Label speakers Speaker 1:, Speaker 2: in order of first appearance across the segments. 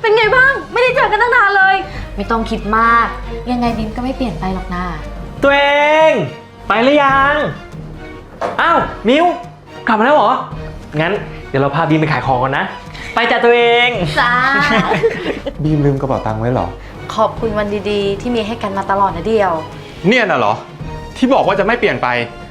Speaker 1: เป็นไงบ้างไม่ได้เจอกันตั้งนานเลยไม่ต้องคิดมากยังไงบีมก็ไม่เปลี่ยนไปหรอกนะ
Speaker 2: ตัวเองไปหรือยังอ้าวมิวกลับมาแล้วเหรองั้นเดี๋ยวเราพาบีมไปขายของก่อนนะไปจ้ะตัวเอง
Speaker 1: จ้า
Speaker 3: บีมลืมกระเป๋าตังค์ไว้เหรอ
Speaker 1: ขอบคุณวันดีๆที่มีให้กันมาตลอดนะเดียว
Speaker 3: เนี่ยน่ะเหรอที่บอกว่าจะไม่เปลี่ยนไป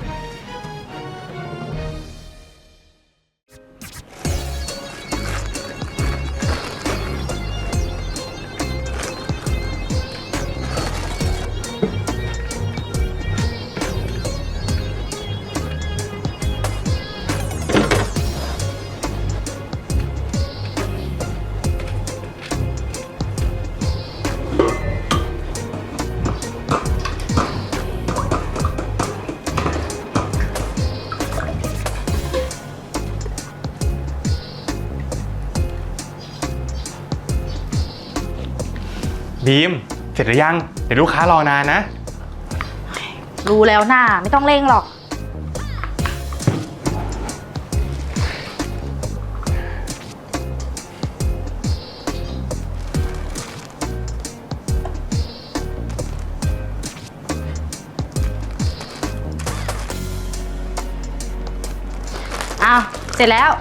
Speaker 3: บีมเสร็จหรือยังเดี๋ยวลูกค้ารอนานนะ
Speaker 1: รู้แล้วน่าไม่ต้องเร่งหรอกอ้าวเสร็จแล้ว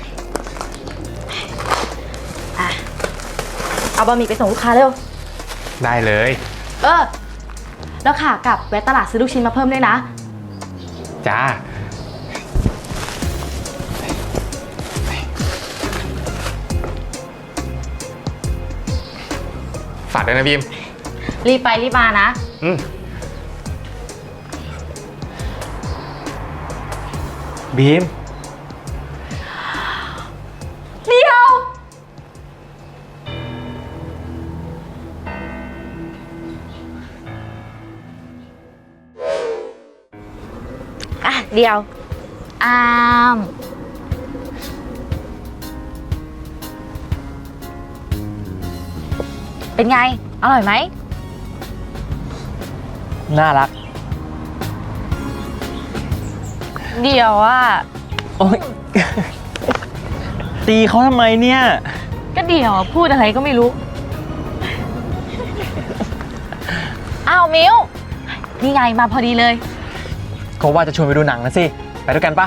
Speaker 1: เอาบะหมี่ไปส่งลูกค้าเร็ว
Speaker 3: ได้เลย
Speaker 1: แล้วขากลับแวะตลาดซื้อลูกชิ้นมาเพิ่มด้วยนะ
Speaker 3: จ้าฝากด้วยนะบีม
Speaker 1: รีบไปรีบมานะ
Speaker 2: บีม
Speaker 1: เดียวเดียวเป็นไงอร่อยไหม
Speaker 2: น่ารัก
Speaker 1: เดียว
Speaker 2: โอ๊ยตีเขาทำไมเนี่ย
Speaker 1: ก็เดียวพูดอะไรก็ไม่รู้อ้าวมิวนี่ไงมาพอดีเลย
Speaker 2: ก็ว่าจะชวนไปดูหนังนะสิไปด้วยกันปะ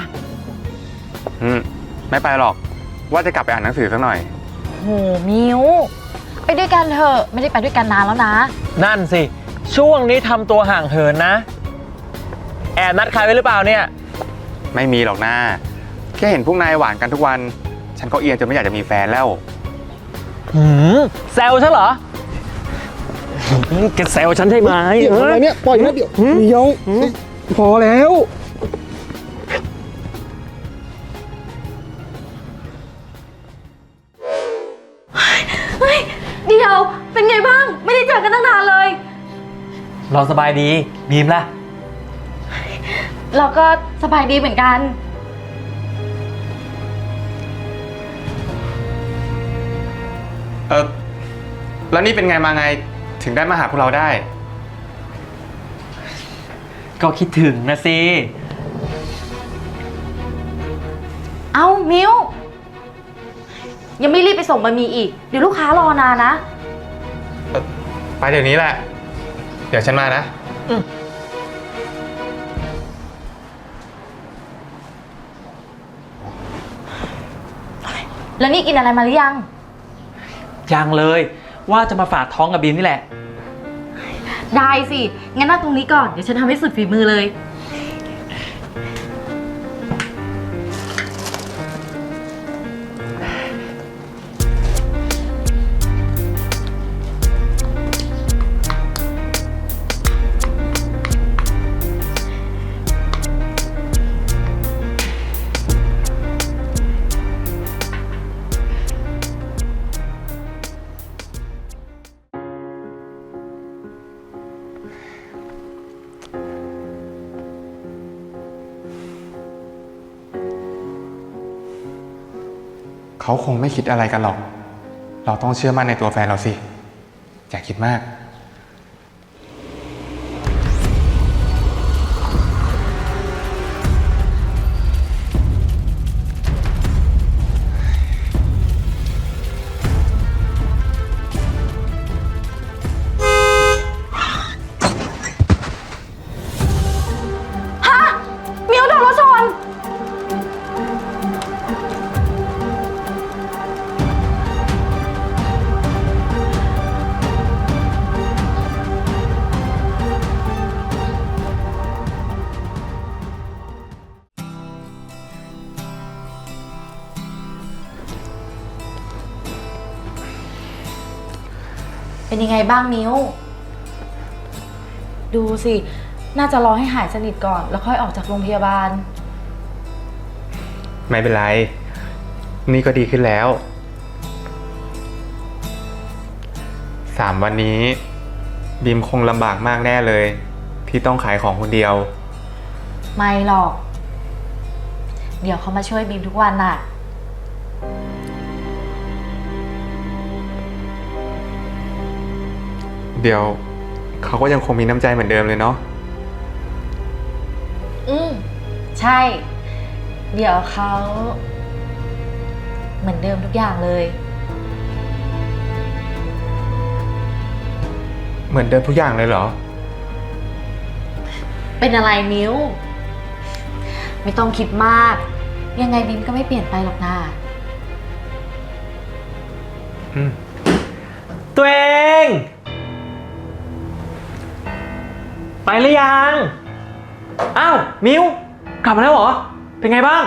Speaker 3: ไม่ไปหรอกว่าจะกลับไปอ่านหนังสือสักหน่อย
Speaker 1: โหมิวไปด้วยกันเถอะไม่ได้ไปด้วยกันนานแล้วนะ
Speaker 2: นั่นสิช่วงนี้ทำตัวห่างเหินนะแอบนัดใครไว้หรือเปล่าเนี่ย
Speaker 3: ไม่มีหรอกนะแค่เห็นพวกนายหวานกันทุกวันฉันก็เอียนจนไม่อยากจะมีแฟนแล้ว
Speaker 2: แซวฉันเหรอแกแซวฉันใช่ไหม
Speaker 3: อะไรเนี่ยปล่อยนะเดี๋ยวพอแล้ว
Speaker 1: เดียวเป็นไงบ้างไม่ได้เจอกันตั้งนานเลย
Speaker 2: เราสบายดีบีมล่ะ
Speaker 1: เราก็สบายดีเหมือนกัน
Speaker 3: แล้วนี่เป็นไงมาไงถึงได้มาหาพวกเราได้
Speaker 2: ก็คิดถึงนะสิ
Speaker 1: เอ้ามิวยังไม่รีบไปส่งบะหมี่อีกเดี๋ยวลูกค้ารอนานนะ
Speaker 3: ไปเดี๋ยวนี้แหละเดี๋ยวฉันมานะ
Speaker 1: แล้วนี่กินอะไรมาหรือยัง
Speaker 2: ยังเลยว่าจะมาฝากท้องกับบีมนี่แหละ
Speaker 1: ได้สิงั้นนั่งตรงนี้ก่อนเดี๋ยวฉันทำให้สุดฝีมือเลย
Speaker 3: เขาคงไม่คิดอะไรกันหรอกเราต้องเชื่อมั่นในตัวแฟนเราสิอย่าคิดมาก
Speaker 1: เป็นยังไงบ้างมิ้ว ดูสิ น่าจะรอให้หายสนิทก่อน แล้วค่อยออกจากโรงพยาบาล
Speaker 3: ไม่เป็นไร นี่ก็ดีขึ้นแล้ว 3 วันนี้บีมคงลำบากมากแน่เลย ที่ต้องขายของคนเดียว
Speaker 1: ไม่หรอก เดี๋ยวเขามาช่วยบีมทุกวันน่ะ
Speaker 3: เดี๋ยวเขาก็ยังคงมีน้ำใจเหมือนเดิมเลยเนาะ
Speaker 1: ใช่ เดี๋ยวเขาเหมือนเดิมทุกอย่างเลย
Speaker 3: เหมือนเดิมทุกอย่างเลยเหรอ
Speaker 1: เป็นอะไรมิ้ว ไม่ต้องคิดมาก ยังไงบีมก็ไม่เปลี่ยนไปหรอกนะ
Speaker 2: ตัวเอง ไปหรือยัง อ้าว มิว กลับมาแล้วเหรอ เป็นไงบ้าง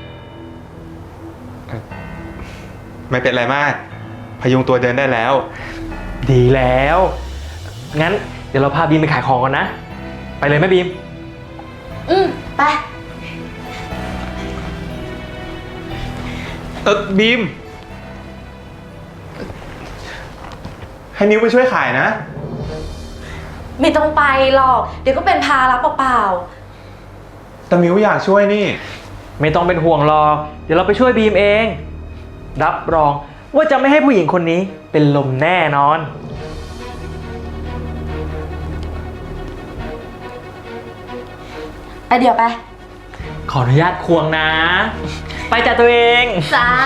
Speaker 3: ไม่เป็นไรมาก พยุงตัวเดินได้แล้ว
Speaker 2: ดีแล้ว งั้นเดี๋ยวเราพาบีมไปขายของกันนะ ไปเลยไหมบีม
Speaker 1: ไป
Speaker 3: บีม ให้นิ้วไปช่วยขายนะ
Speaker 1: ไม่ต้องไปหรอก เดี๋ยวก็เป็นภาระเปล่า
Speaker 3: แต่มิวอยากช่วยนี่
Speaker 2: ไม่ต้องเป็นห่วงหรอก เดี๋ยวเราไปช่วยบีมเอง รับรองว่าจะไม่ให้ผู้หญิงคนนี้เป็นลมแน่นอน
Speaker 1: ๆไปเดี๋ยวไป
Speaker 2: ขออนุญาตควงนะ ไปจัดตัวเอง
Speaker 1: จ้า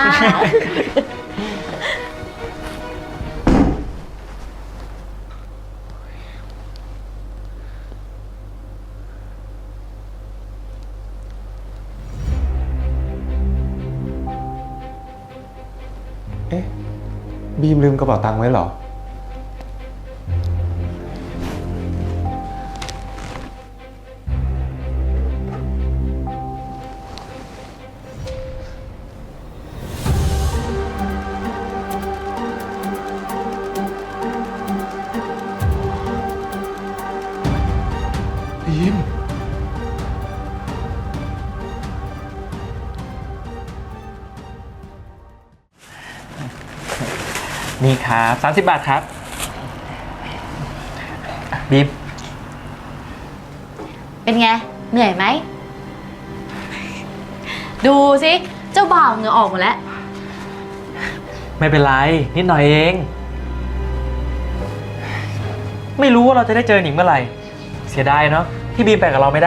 Speaker 3: เอ๊ะ บีมลืมกระเป๋าตังค์ไว้เหรอ บีม
Speaker 2: นี่ครับ30 บาทครับ บีม
Speaker 1: เป็นไง เหนื่อยไหม ดูสิ เจ้าบ่าวเหงื่อออกหมดแล้ว
Speaker 2: ไม่เป็นไร นิดหน่อยเอง ไม่รู้ว่าเราจะได้เจอหนิงเมื่อไหร่ เสียดายเนาะที่บีมไปกับเราไม่ได้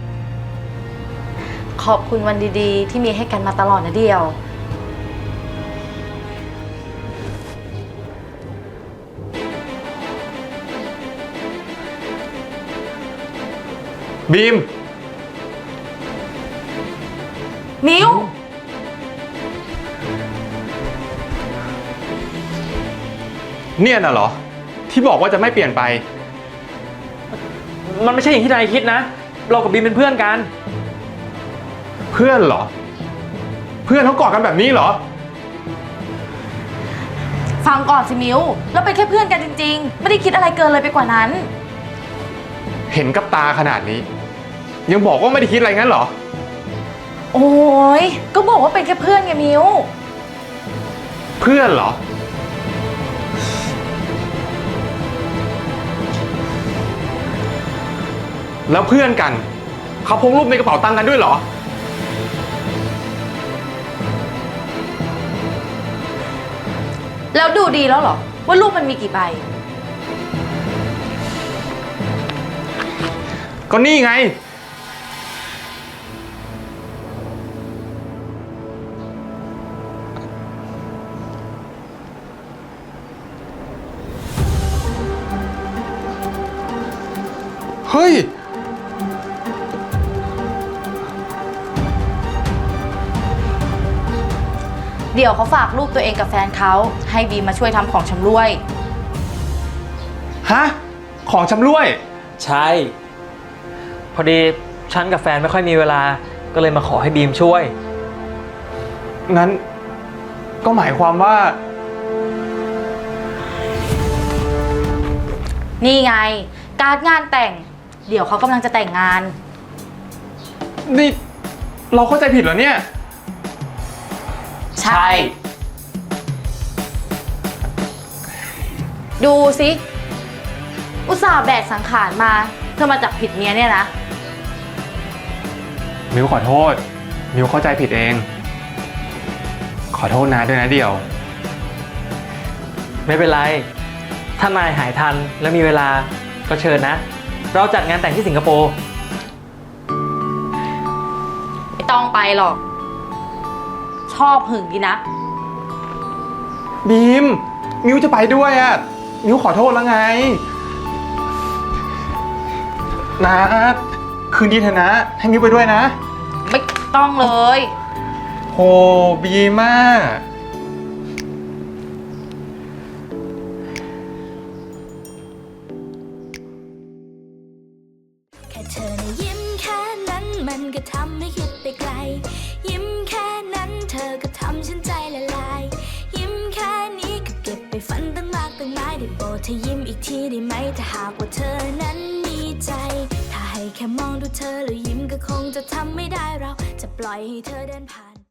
Speaker 1: ขอบคุณวันดีๆ ที่มีให้กันมาตลอดนะเดียว
Speaker 3: บีม
Speaker 1: มิ้ว
Speaker 3: เนี่ยน่ะเหรอ ที่บอกว่าจะไม่เปลี่ยนไป
Speaker 2: มันไม่ใช่อย่างที่นายคิดนะ เรากับบีมเป็นเพื่อนกัน
Speaker 3: เพื่อนเหรอ เพื่อนเขากอดกันแบบนี้เหรอ
Speaker 1: ฟังก่อนสิมิ้ว เราเป็นแค่เพื่อนกันจริงๆ ไม่ได้คิดอะไรเกินเลยไปกว่านั้น
Speaker 3: เห็นกับตาขนาดนี้ ยังบอกว่าไม่ได้คิดอะไรงั้นเหรอ
Speaker 1: โอ้ยก็บอกว่าเป็นแค่เพื่อนไงมิ้ว
Speaker 3: เพื่อนเหรอ แล้วเพื่อนกัน เขาพกรูปในกระเป๋าตังค์กันด้วยเหรอ
Speaker 1: แล้วดูดีแล้วเหรอ ว่ารูปมันมีกี่ใบ
Speaker 3: ก็นี่ไง เฮ้ย
Speaker 1: เดี๋ยวเขาฝากรูปตัวเองกับแฟนเขาให้บีมมาช่วยทำของชำร่วย
Speaker 3: ฮะ ของชำร่วย
Speaker 2: ใช่ พอดีฉันกับแฟนไม่ค่อยมีเวลา ก็เลยมาขอให้บีมช่วย
Speaker 3: งั้น ก็หมายความว่า
Speaker 1: นี่ไง การ์ดงานแต่ง เดี๋ยวเขากำลังจะแต่งงาน
Speaker 3: นี่เราเข้าใจผิดเหรอเนี่ย
Speaker 1: ใช่ ดูสิ อุตส่าห์แบกสังขารมา เธอมาจับผิดเมียเนี่ยนะ
Speaker 3: มิวขอโทษ มิวเข้าใจผิดเอง ขอโทษนะด้วยนะเดี่ยว
Speaker 2: ไม่เป็นไร ถ้านายหายทันแล้วมีเวลาก็เชิญนะ เราจัดงานแต่งที่สิงคโปร์
Speaker 1: ไม่ต้องไปหรอก ชอบหึงดีนะ
Speaker 3: บีม มิวจะไปด้วยอ่ะ มิวขอโทษแล้วไงนะคืนดีเถอะนะ ให้มิวไปด้วยนะ
Speaker 1: ไม่ต้องเลย
Speaker 3: โหบีมาก
Speaker 4: แค่เธอนะยิ้มแค่นั้นมันก็ทำให้คิดไปไกล ยิ้มแค่นั้นเธอก็ทำฉันใจละลาย ยิ้มแค่นี้ก็เก็บไปฝันตั้งมากตั้งหลายได้โปรดเธอยิ้มอีกทีได้ไหมถ้าหากว่าเธอนั้นมีใจ ถ้าให้แค่มองดูเธอแล้วยิ้มก็คงจะทำไม่ได้เราจะปล่อยให้เธอเดินผ่าน